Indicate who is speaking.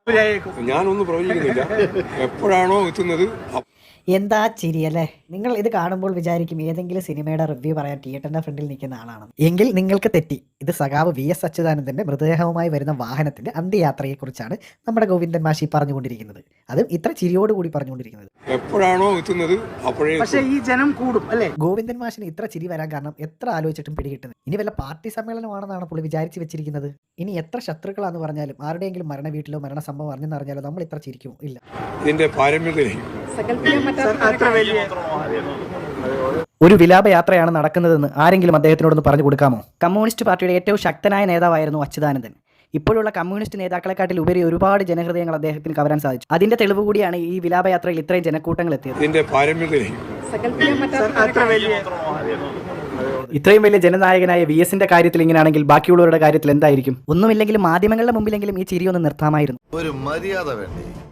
Speaker 1: ഞാനൊന്നും പ്രവചിക്കുന്നില്ല. എപ്പോഴാണോ എത്തുന്നത്
Speaker 2: എന്താ ചിരി അല്ലേ? നിങ്ങൾ ഇത് കാണുമ്പോൾ വിചാരിക്കും ഏതെങ്കിലും സിനിമയുടെ റിവ്യൂ പറയാൻ തിയേറ്ററിന്റെ ഫ്രണ്ടിൽ നിൽക്കുന്ന ആളാണെന്ന്. എങ്കിൽ നിങ്ങൾക്ക് തെറ്റി. ഇത് സഖാവ് VS അച്യുതാനന്ദന്റെ മൃതദേഹവുമായി വരുന്ന വാഹനത്തിന്റെ അന്ത്യയാത്രയെക്കുറിച്ചാണ് നമ്മുടെ ഗോവിന്ദൻ മാഷി പറഞ്ഞുകൊണ്ടിരിക്കുന്നത്. അതും ഇത്ര ചിരിയോടുകൂടി പറഞ്ഞുകൊണ്ടിരിക്കുന്നത്.
Speaker 1: എപ്പോഴാണോ എത്തുന്നത് അപ്പോഴേ
Speaker 3: പക്ഷേ ഈ ജനം കൂടും അല്ലേ?
Speaker 2: ഗോവിന്ദൻ മാഷിന് ഇത്ര ചിരി വരാൻ കാരണം എത്ര ആലോചിച്ചിട്ടും പിടികിട്ടുന്നത്. ഇനി വല്ല പാർട്ടി സമ്മേളനമാണെന്നാണ് പുള്ളി വിചാരിച്ചു വെച്ചിരിക്കുന്നത്. ഇനി എത്ര ശത്രുക്കളാന്ന് പറഞ്ഞാലും ആരുടെയെങ്കിലും മരണ വീട്ടിലോ മരണ സംഭവം അറിഞ്ഞെന്നറിഞ്ഞാലോ നമ്മൾ ഇത്ര ചിരിക്കുമോ? ഇല്ല.
Speaker 1: ഇതിന്റെ പാരമ്യതയിലേക്ക്
Speaker 2: ഒരു വിലാപയാത്രയാണ് നടക്കുന്നതെന്ന് ആരെങ്കിലും അദ്ദേഹത്തിനോടൊന്ന് പറഞ്ഞു കൊടുക്കാമോ? കമ്മ്യൂണിസ്റ്റ് പാർട്ടിയുടെ ഏറ്റവും ശക്തനായ നേതാവായിരുന്നു അച്യുതാനന്ദൻ. ഇപ്പോഴുള്ള കമ്മ്യൂണിസ്റ്റ് നേതാക്കളെക്കാട്ടിൽ ഉപരി ഒരുപാട് ജനഹൃദയങ്ങൾ അദ്ദേഹത്തിന് കവരാൻ സാധിച്ചു. അതിന്റെ തെളിവ് കൂടിയാണ് ഈ വിലാപയാത്രയിൽ ഇത്രയും ജനക്കൂട്ടങ്ങൾ എത്തിയത്.
Speaker 1: ഇതിന്റെ പാരമ്യതയിലേക്ക്
Speaker 2: ഇത്രയും വലിയ ജനനായകനായ VSന്റെ കാര്യത്തിൽ ഇങ്ങനെയാണെങ്കിൽ ബാക്കിയുള്ളവരുടെ കാര്യത്തിൽ എന്തായിരിക്കും? ഒന്നുമില്ലെങ്കിലും മാധ്യമങ്ങളുടെ മുമ്പിലെങ്കിലും ഈ ചിരി ഒന്ന് നിർത്താമായിരുന്നു.
Speaker 4: ഒരു മര്യാദ വേണ്ടേ?